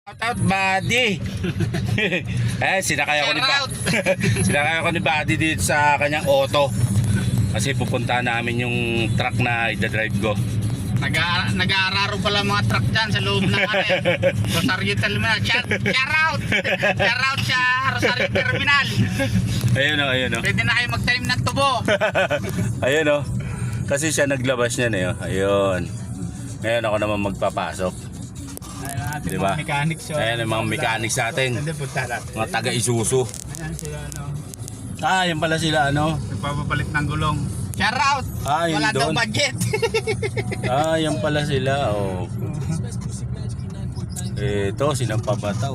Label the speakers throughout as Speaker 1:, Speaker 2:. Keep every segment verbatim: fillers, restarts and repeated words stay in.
Speaker 1: Shoutout buddy. Eh, sinakay ako ni Buddy. Sinakay ako ni Buddy dito sa kanyang auto. Kasi pupunta namin yung truck na idadrive ko.
Speaker 2: Nag-aararo pala mga truck dyan sa loob ng ano eh. Rosario Terminal. Shout, shout out! Shout out sa Rosario Terminal.
Speaker 1: Ayun o, ayun o.
Speaker 2: Pwede na kayo mag-tanim ng tubo.
Speaker 1: Ayun o. Kasi siya naglabas niya na yun. Ayun. Ngayon ako naman magpapasok.
Speaker 2: Ayun natin
Speaker 1: diba?
Speaker 2: mga mechanics. So,
Speaker 1: ayun yung mga mechanics natin.
Speaker 2: Hindi, punta natin.
Speaker 1: Mga taga-Isuzu.
Speaker 2: Ayan sila ano.
Speaker 1: Ah, yan pala sila ano.
Speaker 2: Nagpapapalit ng gulong. Shout out!
Speaker 1: Ah, yun
Speaker 2: wala daw
Speaker 1: doon.
Speaker 2: budget.
Speaker 1: Ah, yan pala sila. Oh. Ito, sinampabataw.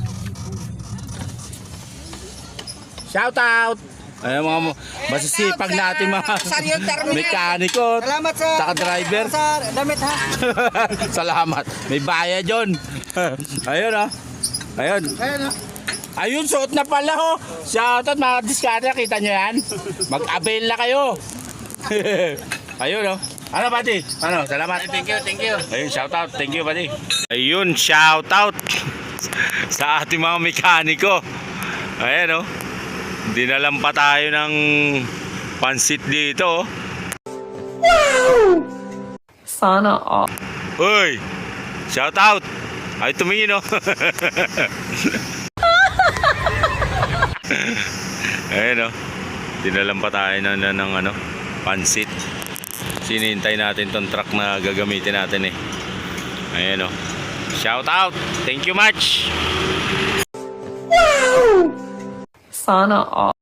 Speaker 1: Shout out! Ayun mga mo, masisipag natin mga mekaniko,
Speaker 2: Salamat sa
Speaker 1: saka driver.
Speaker 2: Sa damit ha.
Speaker 1: Salamat. May bayad yun. Ayun oh. Ayun.
Speaker 2: Ayun oh.
Speaker 1: Ayun, suot na pala ho. Shout out mga diskarte, kita nyo yan? Mag-avail na kayo. Ayun oh. Ano buddy? Ano? Salamat.
Speaker 2: Thank you, thank you.
Speaker 1: Ayun, shout out. Thank you buddy. Ayun, shout out sa ating mga mekaniko. Ayan oh. Dinalam pa tayo ng pansit dito.
Speaker 3: Wow! Sana all.
Speaker 1: Uy! Shout out! Ay tumingin oh. Ayan oh. Dinalam pa tayo ng, ng, ng ano, pansit. Sinintay natin tong truck na gagamitin natin eh. Ayan oh. Shout out! Thank you much!
Speaker 3: Sana all.